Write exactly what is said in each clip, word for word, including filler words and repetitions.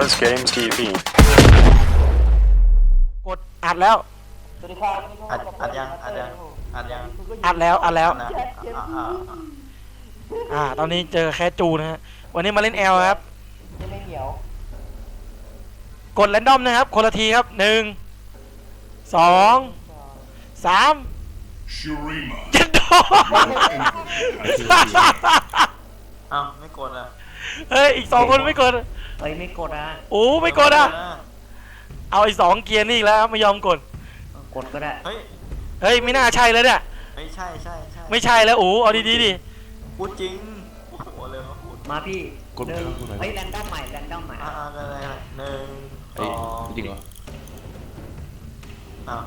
Jazz Games ที วีกดอัดแล้วสวัสดีครับอัดอัดยังอัดยังอัดยังอัดแล้วอัดแล้วนะอ่าอ่าอ่าอ่าตอนนี้เจอแคสจูนะฮะวันนี้มาเล่นแอลครับจะไม่เหี่ยวกดแรนดอมนะครับคนละทีครับหนึ่งสองสามเจ็ดโดเอ้าไม่กดอ่ะเฮ้ยอีกสองคนไม่กดเฮ้ยไม่กดอ่ะโอ้ไม่กดอ่ะเอาอีกสองเกียร์นี่อีกแล้วไม่ยอมกดกดก็ได้เฮ้ยเฮ้ยไม่น่าใช่แล้วเนี่ยไม่ใช่ใช่ใช่ไม่ใช่แล้วโอ้เอาดีๆดิพูดจริงโอ้โหเลยว่าพูดมาพี่กดหนึ่งกดไหนเฮ้ยแรนดอมใหม่แรนดอมใหม่อ่าก็เลยหนึ่งสเฮ้ยองจริงเหรออ้าว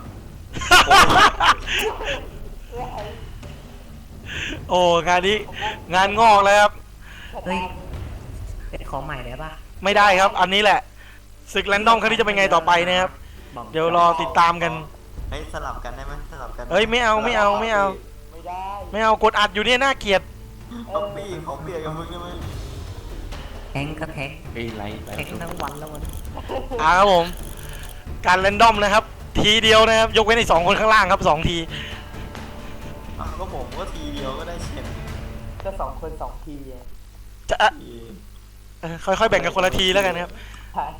โอ้งานนี้งานงอกแล้วครับเฮ้ยเป็นของใหม่ได้ปะไม่ได้ครับอันนี้แหละศึกแรนดอมครั้งนี้จะเป็นไงต่อไปนะครับบอกเดี๋ยวรอติดตามกันเฮ้ยสลับกันได้ไหมสลับกันเฮ้ยไม่เอาไม่เอาไม่เอาไม่ได้ไม่เอากดอัดอยู่เนี่ยน่าเกลียดต้องปี้เขาเปลี่ยนกับมึงได้ไหมแทงก็แทงเฮ้ยไลท์ไลแทงท์ทั้งวันแล้ววันอ่าครับผมการแรนดอมนะครับ ทีเดียวนะครับยกเว้นไอ้สองคนข้างล่างครับสองทีอ้าวก็ผมก็ทีเดียวก็ได้เช่นก็สองคนสองทีจะเอ่อทีเอ่อค่อยๆแบ่งกันคนละทีแล้วกันนะครับใช่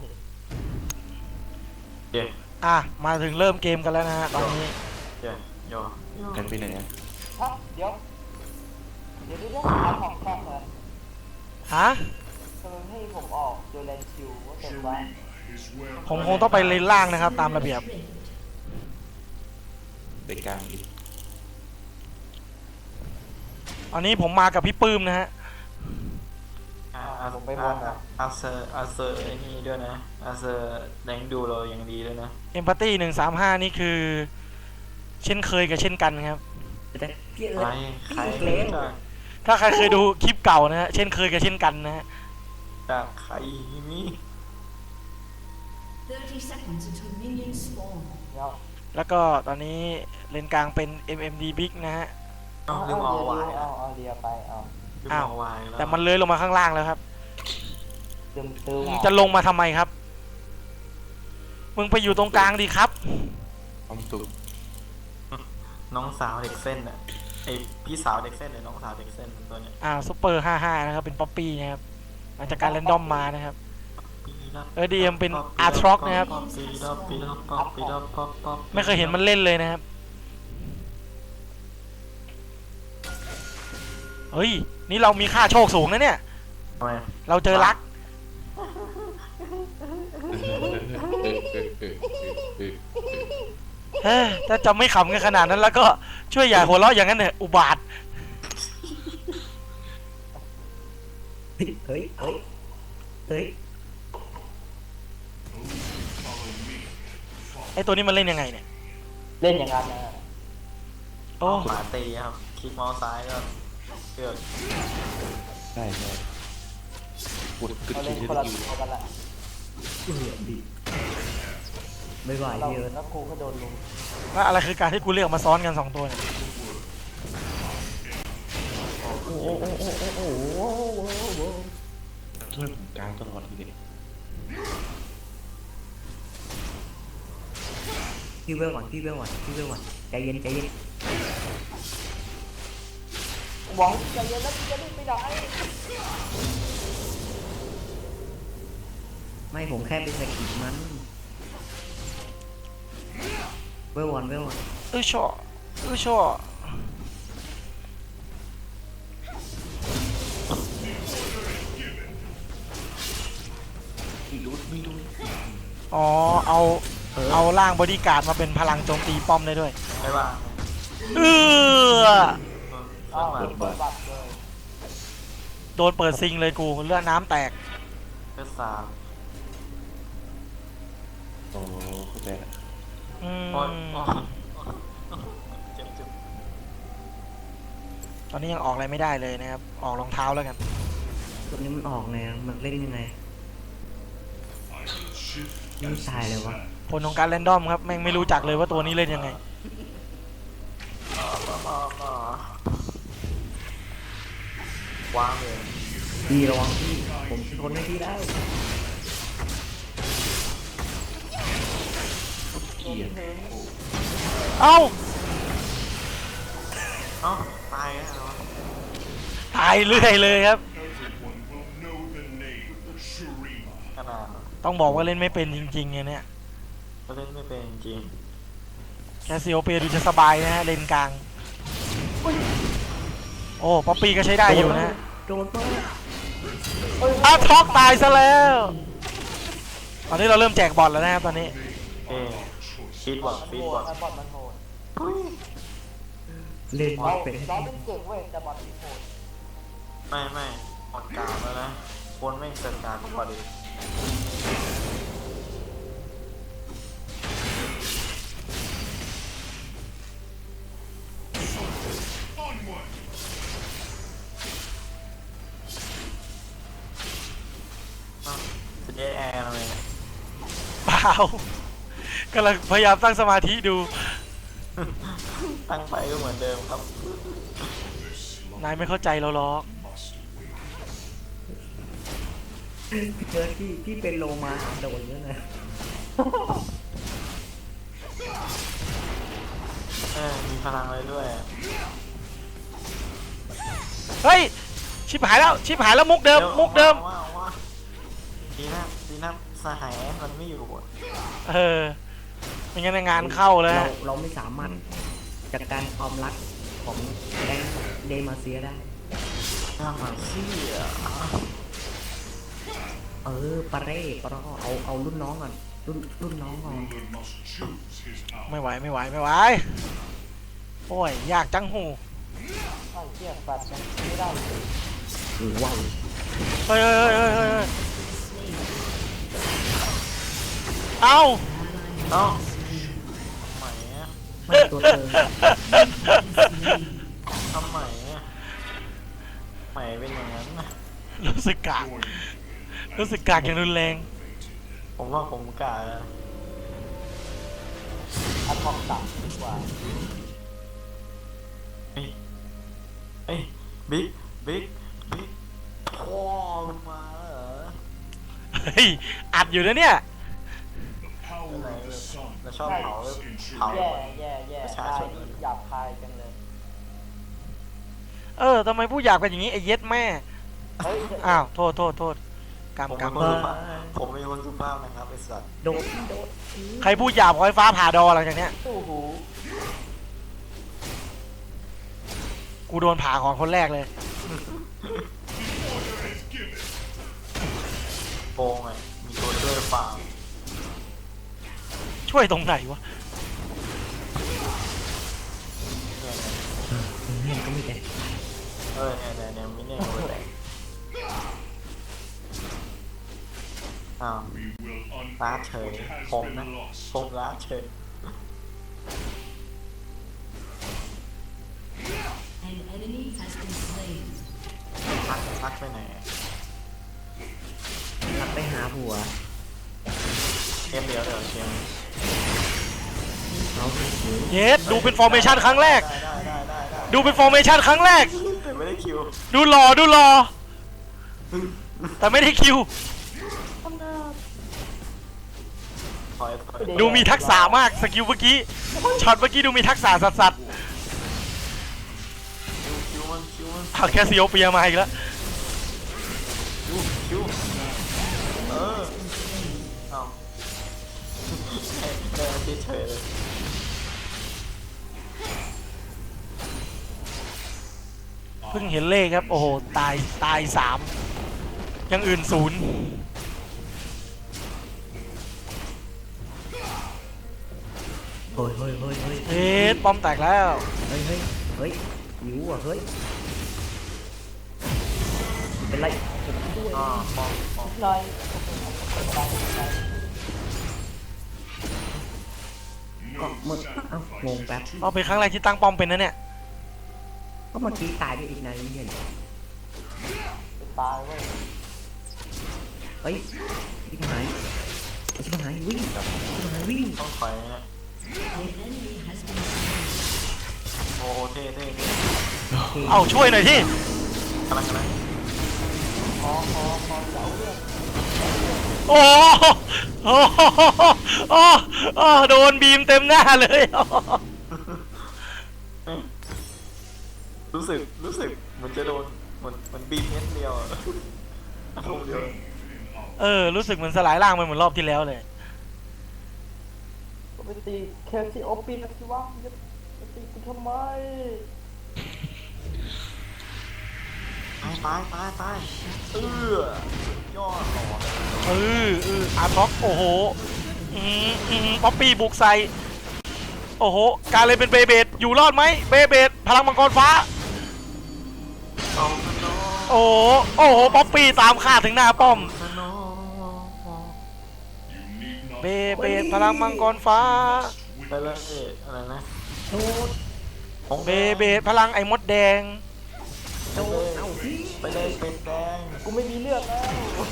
เดี๋ยวอ่ะมาถึงเริ่มเกมกันแล้วนะฮะตอนนี้เดี๋ยวโยกันไปไหนอะฮะเดี๋ยวเดี๋ยวเดี๋ยวเอาของแท่งเลยฮะทำไมให้ผมออกโดยแลนชิวว่าเต็มไว้ผมคงต้องไปเลนล่างนะครับ ตามระเบียบไปกลางอีกอันนี้ผมมากับพี่ปื้มนะฮะอ่าผมไปบอลอ่ะอาเซอร์อาเซอร์ไอ้นี่ด้วยนะอาเซอร์แดงดูเราอย่างดีด้วยนะเอมพัตตี้หนึ่งสามห้านี่คือ เช่นเคยกับเช่นกันครับแต่พี่เอิใครร์ธใครพี่เล็กจากถ้าใครเคยดูคลิปเก่านะฮะเช่นเคยกับเช่นกันนะฮะจากใครนี่ thirty seconds until minions spawn. เดี๋ยวแล้วก็ตอนนี้เลนกลางเป็น เอ็ม เอ็ม ดี Big นะฮะเอาลืมเอาวายเอาเอาเรียไปเอาลืมอ้าวเอาวายแล้วแต่มันเลื้อยลงมาข้างล่างแล้วครับตึมตึมจะลงมาทำไมครับ มึงไปอยู่ตรงกลางดีครับความสุขน้องสาวเด็กเส้นอ่ะไอพี่สาวเด็กเส้นเลยน้องสาวเด็กเส้นตัวเนี้ยอ่าซุปเปอร์ห้าห้านะครับ เป็นป๊อปปี้นะครับมาจากการแรนดอมมานะครับ เออ ดีเอ็มเป็น Aatrox นะครับ ไม่เคยเห็นมันเล่นเลยนะครับ เฮ้ย นี่เรามีค่าโชคสูงนะเนี่ยทำไมเราเจอรักเออเออเออเออเฮ้ยถ้าจะไม่ขำกันขนาดนั้นแล้วก็ช่วยอย่าหัวเราะอย่างนั้นเถอะอุบาทเฮ้ยเฮ้ยเฮ้ยไอตัวนี้มันเล่นยังไงเนี่ยเล่นอย่างนั้นนะโอ้หมาตีครับคลิกเมาส์ซ้ายก็เลือกใช่ใช่กดกึดเขากึเล่ดนกึคนละดตัวกันละไม่ไหวพี่เอิร์ธแล้วครูก็โดนลุมว่าอะไรคือการที่กูเลือกมาซ้อนกันสองตัวเนี่ยโอ้โหโอ้โหโอ้โหโอ้โหโอ้โหช่วยผมกลางตลอดทีเดียวพี่เวลก่อนพี่เวลก่อนพี่เวลก่อนใจเย็นใจเย็นหวังใจเย็นแล้วจะได้ไม่ได้ไม่ผมแค่เป็นสกิลมันเวลวันเวลวันเออช่อเออช่อไม่รู้ไม่รู้อ๋อเอาเอาร่างบอดี้การ์ดมาเป็นพลังโจมตีป้อมได้ด้วยไม่ว่าเอออ้าวเปิดบัตรโดนเปิดซิงเลยกูเลือดน้ำแตกเลือดสามโอ้เข้าใจละอืมโอ้ยเจ็บเจ็บตอนนี้ยังออกอะไรไม่ได้เลยนะครับ ออกรองเท้าแล้วกันตัวนี้มันออกไงมันเล่นยังไงไม่ตายเลยวะผลของการแรนดอมครับแม่งไม่รู้จักเลยว่าตัวนี้เล่นยังไงวางเลยพี่ระวังพี่ผมทนไม่พี่ได้เกียดเอ้าเอ้าตายแล้วเหรอตายเรื่อยเลยครับขนาดต้องบอกว่าเล่นไม่เป็นจริงๆไงเนี่ยก็เล่นไม่เป็นจริงแคสซิโอเปียดูจะสบายนะฮะเลนกลาง โอ้ป๊อปปี้ก็ใช้ได้อยู่นะโดนป้าอ้าวท็อกตายซะแล้ว ตอนนี้เราเริ่มแจกบอลแล้วนะครับตอนนี้เอ้ฟีดบอดฟีดบอดเล่นไม่เป็นไม่ไม่หมดกลางแล้วนะคนไม่เสร็จกลางพอดี จะได้แอร์เลยเปล่ากำลังพยายามตั้งสมาธิดูตั้งไปก็เหมือนเดิมครับนายไม่เข้าใจเราหรอกเจอที่ที่เป็นโลมาโดนเยอะนะเออมีพลังเลยด้วยเฮ้ย ชิบหายแล้ว ชิบหายแล้วมุกเดิม มุกเดิมว่าว่าดีนะดีนะสหายมันไม่อยู่อะเออไม่งั้นงานเข้าแล้วเราฮะเราไม่สามารถจัดการความรักของแดงเดมาเซียได้น่ามาซี่อ่ะเออปาเร่ปารอเอาเอารุ่นน้องก่อนรุ่นรุ่นน้องก่อนไม่ไหวไม่ไหวไม่ไหว โอ้ยยากจังหูหรือว้าวเฮ้ยเฮ้ยเฮ้ยเฮ้ยเฮ้ยเอ้าเอ้าทำไมอ่ะไม่ตัวเธอทำไมอ่ะทำไมเป็นอย่างนั้นน่ะรู้สึกกากรู้สึกกากอย่างรุนแรงผมว่าผมกล้าแล้วอัดทองต่ำดีกว่าเฮ้ยเฮ้ยบิ๊กบิ๊กบิ๊กพ่อมึงมาแล้วเหรอเฮ้ย อัดอยู่นะเนี่ยอะไรเลยเราชอบเผาเผาแย่แย่แย่ประชาตาชยนนี่หยาบคายจังเลยเออทำไมผู้หยาบกันอย่างนี้ไอ้เย็ดแม่เฮ้ยอ้าว โทษโทษโทษกรรมผมกรเป็รนมคนสุภาพผมเป็นคนสุภาพนะครับไอ้สัตว์โดนโดนใครพูดหยาบขอให้ฟ้าผ่าดอหลังจากเนี้ยตู้หูกูโดนผ่าก่อนคนแรกเลยโกงไงมีตัวช่วยฟาร์มช่วยตรงไหนวะเนี่ยเงี้ยก็ไม่ได้เออเนี่ยเนี่ยเนี่ยมิเนี่ยก็แตกอ้าวล้าเฉยผมนะผมล้าเฉย An enemy has been slain. พักพักไปไหนรักไปหาผัวเกมเดียวเดี๋ยวเกมเขาถือเย็ดดูเป็นฟอร์เมชันครั้งแรกได้ได้ได้ได้ได้ดูเป็นฟอร์เมชันครั้งแรกแต่ไม่ได้คิวดูหล่อดูหล่อแต่ไม่ได้คิวถอยถอยดูมีทักษะมากสกิลเมื่อกี้ช็อตเมื่อกี้ดูมีทักษะสัสสัสคิวคิวมันคิวมันๆเอาแค่ซีโอเปียมาอีกแล้วคิวคิวเออเอาเดินเฉยๆเลยเพิ่งเห็นเลขครับ โอ้โห ตาย ตายสามอยังอื่นศูนย์เฮ้ยเฮ้ยเฮ้ยเฮ้ยเอ๊ะป้อมแตกแล้วเฮ้ยเฮ้ยเฮ้ยหิวอ่ะเฮ้ยเป็นไรอ๋อปอมปอมหน่อยก็เมื่อเอ้างงแป๊บเอาเป็นครั้งแรกที่ตั้งป้อมเป็นนะเนี่ยก็เมื่อกี้ตายไปอีกนายนี่เห็นตายเว้ยเฮ้ยชิบหายชิบหายวิ่งชิบหายวิ่งต้องถอยนะ An enemy has been slain. โอ้เท่เท่เท่โอเคเอาช่วยหน่อยที่กำลังกำลังพอพอพอเจ้าเรื่องโอ้โหโอ้โหโอ้โอ้โดนบีมเต็มหน้าเลยอ้อรู้สึกรู้สึกเหมันจะโดนเหมือนเหมันบีบเม็ดเดียวอะลูกเดียวเออรู้สึกเหมือนสลายร่างไปเหมือนรอบที่แล้วเลยก็ไปตีเคซีโอปีนะสิวะจะจะตีกูทำไมตายตายตายตายเออยอดหล่อเออเอออาร์ท็อกโอ้โหอืมอืมป๊อปปี้บุกใส่โอ้โหการเลยเป็นเบเบดอยู่รอดไหมเบเบดพลังมังกรฟ้าเอาขนมโอ้โหโอ้โหป๊อปปี้ตามฆ่าถึงหน้าป้อมขนมเบเบดพลังมังกรฟ้าไปเลยเอ๊ะอะไรนะโดนของเบเบดพลังไอ้มดแดงไปเลยไปเลยเป็ดแดงกูไม่มีเลือดแล้ว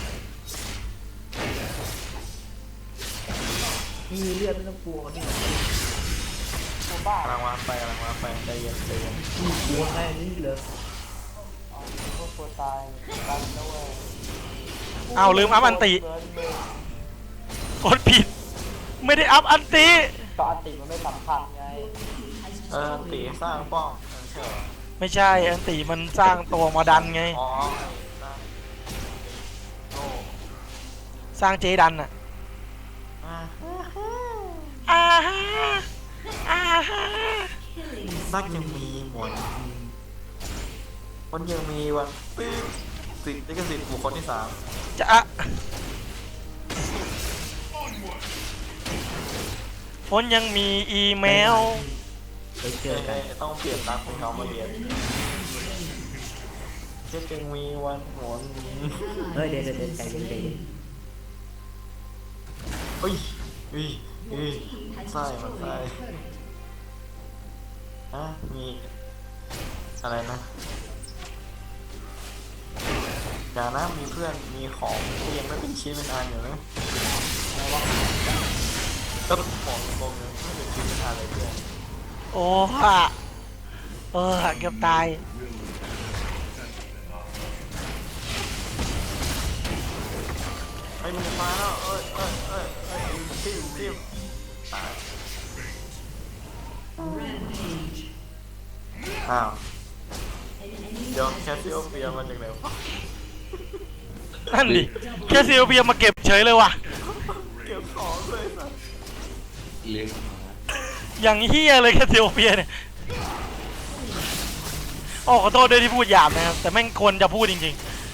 มีเลือดไม่ต้องกลัวนี่กูบ้ากำลังวางไปกำลังวางไปใจเย็นใจเย็นมีกลัวแค่นี้เลยอ๋อพวกตัวตายกันด้วยเอาลืมอัพอันติเกินเลยกดผิด ไม่ได้อัพอันติก็อันติมันไม่สำคัญไงเออตีสร้างป้อมไม่ใช่เหรอไม่ใช่อันติมันสร้างตัวมาดันไงอ๋อสร้างโอ้สร้างเจดันอะอ่าอ่าฮะอ่าฮะซักยังมีหมดมันยังมีวันปิ๊บสิทธิ์ลิขสิทธิ์บุคคลที่สามจะอะฝนยังมีอีเมลไปเจเอ้อย กันเอ้ยต้องเปลี่ยนรักของเขามาเรียนจะจึงมีวันหวนเฮ้ยเดี๋ยวเดี๋ยวเดี๋ยวใจเย็นใจเย็นเฮ้ยเฮ้ยเฮ้ยไส้มันไส้ฮะมีอะไรนะอย่านะมีเพื่อนมีของที่ยังไม่เป็นชิ้นเป็นอันอยู่นะก็ของงงเลยไม่เป็นชิ้นเป็นอันเลยเพื่อนโอ้ฮะเออเกือบตายไอ้ยมันจะมาแล้วเอ้ยเอ้ยเอ้ยเอ้ยจิ้มจิ้มตาย Rampage. อ้าว An enemy เดี๋ยวแคสซิโอเปียมาจากไหนวะนั่นดิแค่ซีโอเบียมาเก็บเฉยเลยว่ะเก็บของเลยสัสเลี้ยงหมาอย่างเฮียเลยแค่ซีโอเบียเนี่ยโอ้ขอโทษด้วยที่พูดหยาบนะครับ แต่แม่งควรจะพูดจริง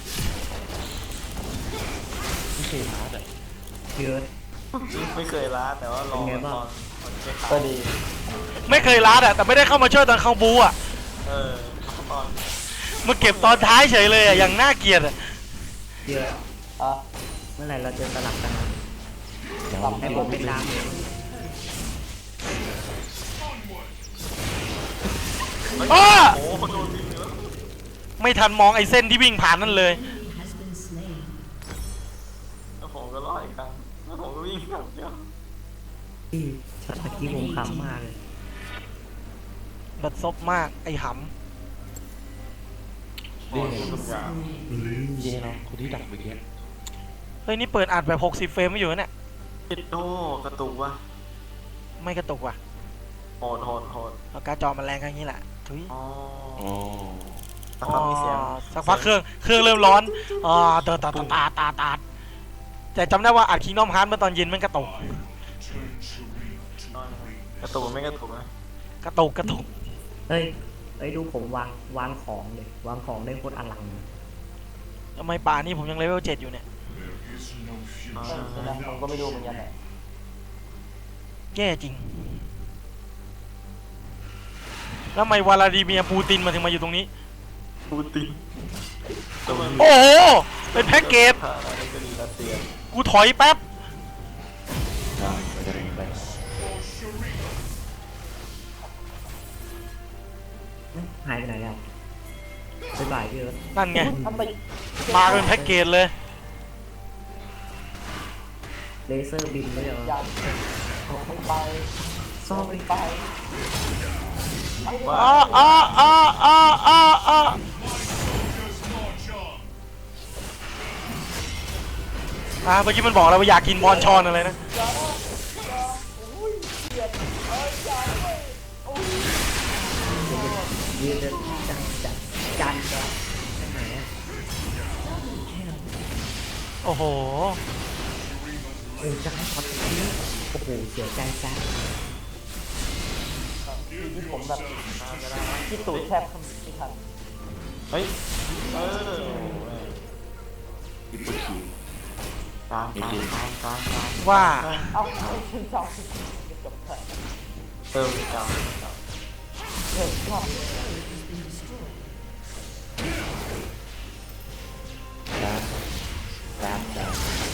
ไม่เคยหาแต่เยอะไม่เคยล้าแต่ว่าลองเป็นไงบ้างตอนตอนเช็คก็ดีๆ ไม่เคยล้าอะแต่ไม่ได้เข้ามาช่วยตอนเข้าบูอะเออตอนมาเก็บตอนท้ายเฉยเลยอะอย่างน่าเกลียดอะเยอะอ่ะเมื่อไหร่เราจะสลับกันนะเดี๋ยวให้ผมเป็นดามเองอ้าโอ้โหโดนยิงเลยไม่ทันมองไอ้เส้นที่วิ่งผ่านนั่นเลย has been slain. แล้วผมก็รอดอีกครั้งแล้วผมก็วิ่งกลับเดียวที่ช็อตเมื่อกี้ผมขำมากเลยบัดซบมากไอ้หโอ้ยทุกอย่างเย่เนาะคนที่ดักเมื่อกี้ำเฮ้ยนี่เปิดอัดแบบหกสิบเฟรมไม่อยู่นะเนี่ยติดโอ้กระตุกวะไม่กระตุกว่ะโหดโหดโหดเอาการ์ดจอมันแรงกันอย่างนี้แหละทุยอ๋ออ๋อแต่เขามีเสียงอ๋อสักพักเครื่องเครื่องเริ่มร้อนอ๋อตาตาตาตาตาตาแต่จำได้ว่าอัดคิงดอมฮาร์ดเมื่อตอนเย็นมันกระตุกกระตุกไม่กระตุกนะกระตุกกระตุกเฮ้ยเฮ้ยดูผมวางวางของเลยวางของได้โคตรอลังเลยทำไมป่านี่ผมยังเลเวลเจ็ดอยู่เนี่ยอ๋อเออใช่ไหมผมก็ไม่รู้เหมือนกันแหละแย่จริง แล้วทำไมวลาดิเมียร์ปูตินมาถึงมาอยู่ตรงนี้ปูตินตัวมันโอ้โห เป็นแพ็กเกจผ่านอะไรก็ดีรัสเซียกูถอยแป๊บได้ไปได้ไปเอ้ยหายไปไหนแล้วบ๊ายบายพี่เอิร์ธนั่นไงทำไมมาเป็นแพ็กเกจเลยเลเซอร์บินเลยเหรอยันไม่ไปซ่อมไม่ไปไปอ้าอ้าอ้าอ้าอ้าอ้าอ่าเมื่อกี้มันบอกเราว่าอยากกินบอลชอนอะไรนะยืนเลยจันจันจันจะไปไหนอะโอ้โหโอ้จะให้ช็อตนี้โอ้โหเสียใจซะทีที่ผมแบบที่ตูดแทบไม่ทันเฮ้ยเอออิปุชิกลางกลางกลางกลางกลางว่าเอ้าชื่นชอบจบเถอะเติมกลางเฮ้ยชอบดาร์ดาร์ดาร์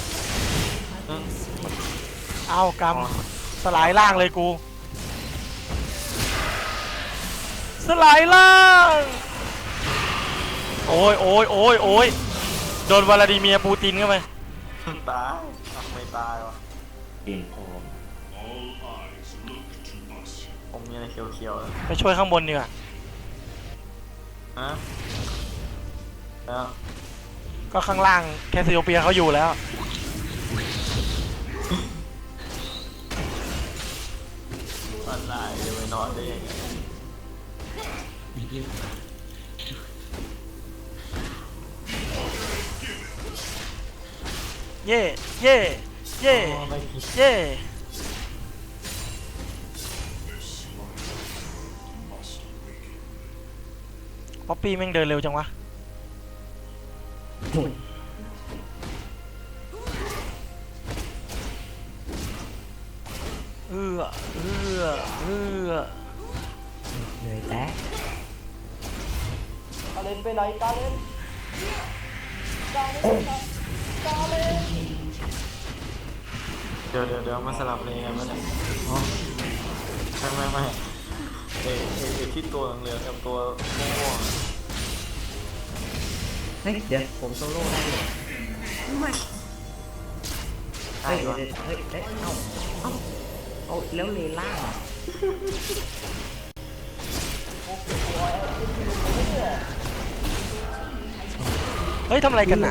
เอากำสลายล่างเลยกู สลายล่าง โอ้ยโอ้ยโอ้ยโอ้ยโดนวลาดิเมียร์ปูตินเข้าไปตายอ่ะไม่ตายวะเก่งพอผมมีอะไรเขียวๆเลยไปช่วยข้างบนดีกว่าฮะแล้วก็ข้างล่างแคสซิโอเปียเขาอยู่แล้วอะไรจะไปนอนได้ยังไงเย่เย่เย่อ๋อไม่ผิดเย่ป๊อปปี้แม่งเดินเร็วจังวะโอ้ยเอื้อเอื้อเอื้อเหนื่อยแตะกาเลนไปไหนกาเลนกาเลนกาเลนเดี๋ยวเดี๋ยวเดี๋ยวมาสลับเลยกันมั้ยเนี่ยอ๋อไม่ไม่ไม่เอเอเอที่ตัวเหลืองกับตัวม่วงเฮ้ยเดี๋ยวผมโซโล่ได้เลยๆเฮ้ได้ยเดี๋ยวปะเดี๋ยวเฮ้ยเฮ้ยเอ้าเอ้าเอาแล้วเลล่าเฮ้ยทำอะไรกันน่ะ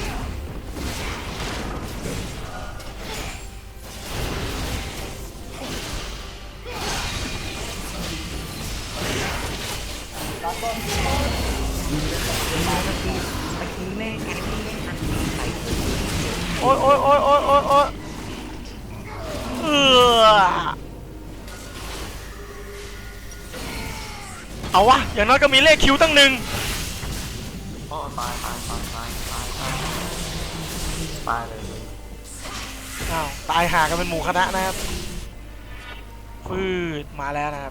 ตะกี้แม่งไอ้นี่แม่งอันนี้ใส่โอ้ยโอ้ยโอ้ยโอ้ยโอ้ยโอ้ยเอื้อเอาวะอย่างน้อยก็มีเลขคิวตั้งหนึ่งอ๋อตายตายตายตายตายตายตายเลยอ้าวตายหากันเป็นหมู่คณะนะครับฟืดมาแล้วนะครับ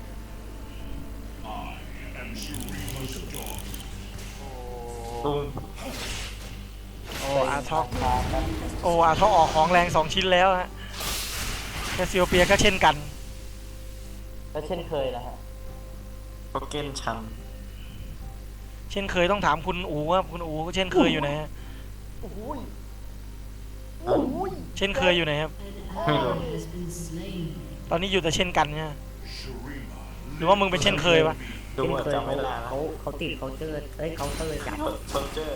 ตุ้มโอ้อาท็อกโอ้อาท็อกออกของแรงสองชิ้นแล้วฮะแคสซิโอเปียก็เช่นกันก็เช่นเคยนะฮะก็เก้นชันเช่นเคยต้องถามคุณอูว่าคุณอูก็เช่นเคยอยู่ไหนฮะโอ้ยโอ้ยเช่นเคยอยู่ไหนครับไม่รู้ has been slain. ตอนนี้อยู่แต่เช่นกันเนี่ยหรือว่ามึงเป็นเช่นเคยวะดูว่าจำไม่ได้แล้วเขาเขาติดเขาเจอเอ้ยเขาเตอร์จับโซลเจอร์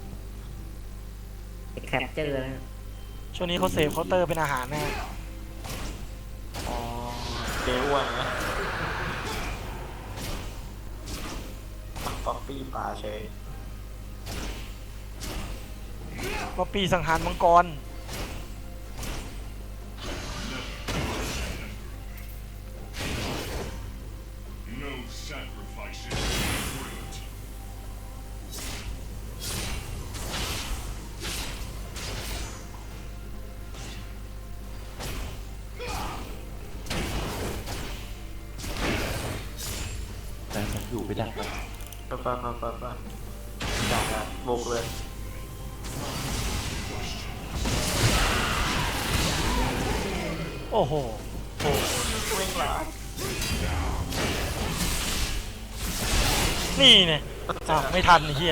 แคปเจอร์นะช่วงนี้เขาเสพเคาน์เตอร์เป็นอาหารนะฮะอ๋อเจ๊อ้วนนะป๊อปปี้ปลาเฉยป๊อปปี้สังหารมังกร No sacrifices great. แต่ฉันอยู่ไปดักไปไปไปไปไปไปจัดอะบุกเลยโอ้โหโอ้วิ่งหลานี่เนี่ยอ้าวไม่ทันไอ้เหี้ย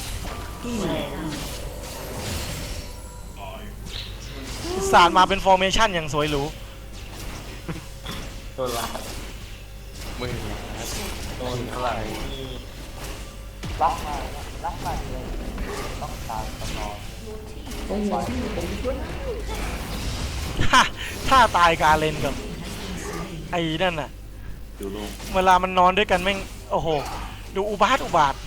สารมาเป็นฟอร์เมชั่นอย่างสวยหรูโดนลาดมือโดนเท่าไหร่นี่รักมากรักมากเลยต้องตามตลอดโอ้โหผมช่วยถ้าถ้าตายกาเลนกับไอ้นั่นน่ะดูโลงเวลามันนอนด้วยกันแม่งโอ้โหดูอุบาทอุบาท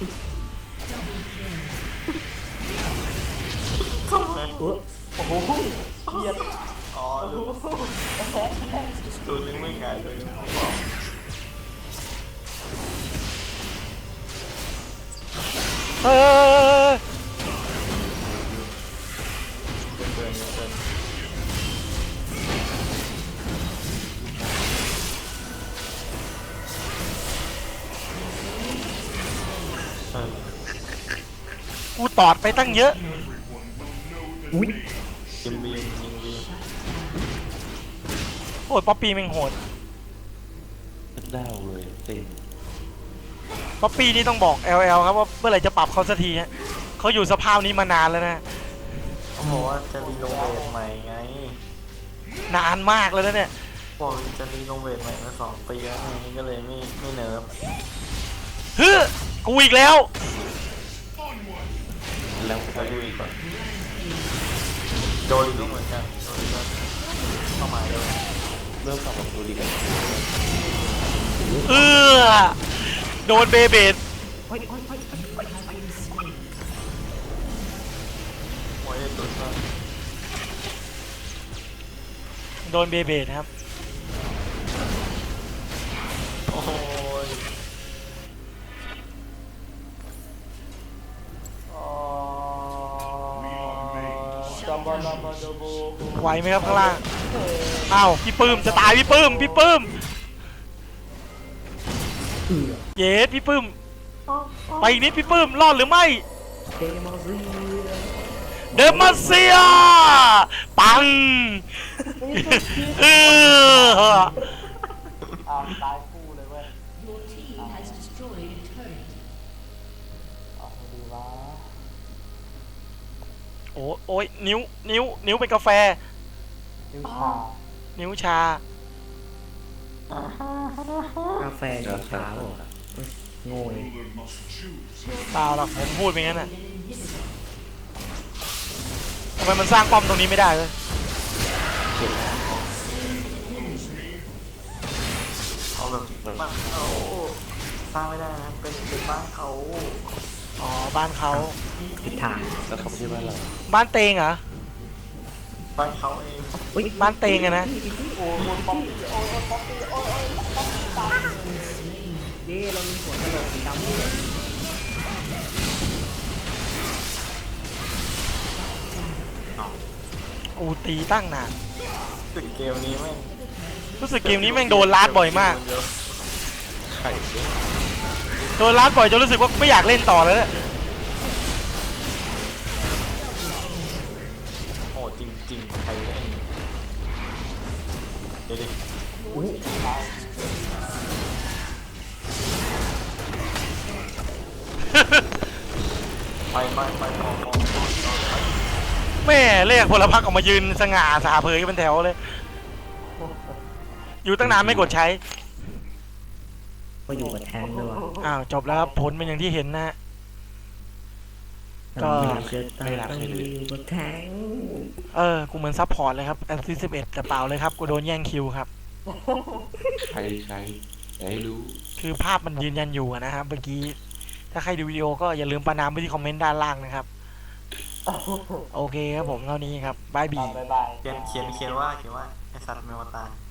อ๋อดูตัวนึงไม่ไงตัวนึงเขาบอกเออเดินเดินเดินเออกูตอดไปตั้งเยอะอุ้ยยิงบียิงบีโอ้ยป๊อปปี้แม่งโหดดาวเลยเต็มป๊อปปี้นี่ต้องบอก แอล แอล ครับว่าเมื่อไหร่จะปรับเขาสักทีฮะเขาอยู่สภาพนี้มานานแล้วนะเขาบอกว่าจะรีโนเวทใหม่ไงนานมากแล้วนะเนี่ยบอกจะรีโนเวทใหม่มาสองปีแล้วไงก็เลยไม่ไม่เนิร์ฟฮึกูอีกแล้วแล้วไปดูอีกก่อนโดนก็เหมือนกันโดนก็เข้ามาเลยเริ่มกลับมาดูดีกันเออโดนเบเบดโอ้ยโอ้ยโอ้ยโอ้ยตุ่นก็โดนเบเบดครับโอ้ยอ๋อจัมบาลาบาโดโบไหวไหมครับข้างล่างอ้าวพี่ปื้มจะตายพี่ปื้มพี่ปื้มเย็ดพี่ปื้มไปอีกนิดพี่ปื้มรอดหรือไม่เดมอนซีเดมอนเซียปังเอออ้าวตายคู่เลยเว้ย Your team has destroyed a turret. เอาดีวะโอ้โอ้ยนิ้วนิ้วนิ้วเป็นกาแฟนิ้วชานิ้วชากาแฟสีขาวเหรอโง่เลย Ruler must choose. เปล่าหรอกผมพูดไปงั้นน่ะทำไมมันสร้างป้อมตรงนี้ไม่ได้เลยเอาแบบบ้านเขาสร้างไม่ได้นะเป็นเป็นบ้านเขาอ๋อบ้านเขาผิดทางแล้วเขาไม่ใช่บ้านเราบ้านเตงเหรอบ้านเขาเองอุ้ยบ้านเตงอะนะโอ้ยป๊อปปี้โอ้ยป๊อปปี้โอ้ยโอ้ยป๊อปปี้ตายเย้เรามีหัวกระโหลกสีดำด้วยอูตีตั้งนานตึกเกมนี้แม่งรู้สึกเกมนี้แม่งโดนลาดบ่อยมากไข่ด้วยโดนลาดบ่อยจนรู้สึกว่าไม่อยากเล่นต่อแล้วเนี่ยโอ้จริงจริงใครเล่นเดี๋ยวดิไปไปไปต่อต่อต่อต่อไปแม่เรียกพลพรรคออกมายืนสง่าสาเผยเป็นแถวเลย อยู่ตั้งนานไม่กดใช้ก็อยู่กับแทงด้วยอ้าวจบแล้วครับผลเป็นอย่างที่เห็นนะฮะ ก็เจอตายต้องอยู่กับแทงเออกูเหมือนซัพพอร์ตเลยครับแอสซิสต์สิบเอ็ดแต่เปล่าเลยครับกูโดนแย่งคิวครับใครใครอย่าให้รู้คือภาพมันยืนยันอยู่อะนะครับเมื่อกี้ถ้าใครดูวิดีโอก็อย่าลืมประนามไปที่คอมเมนต์ด้านล่างนะครับ โอเคครับผมเท่านี้ครับบายบีบ๊ายบายเขียนเขียนเขียนว่าเขียนว่าไอสัตว์เมวตา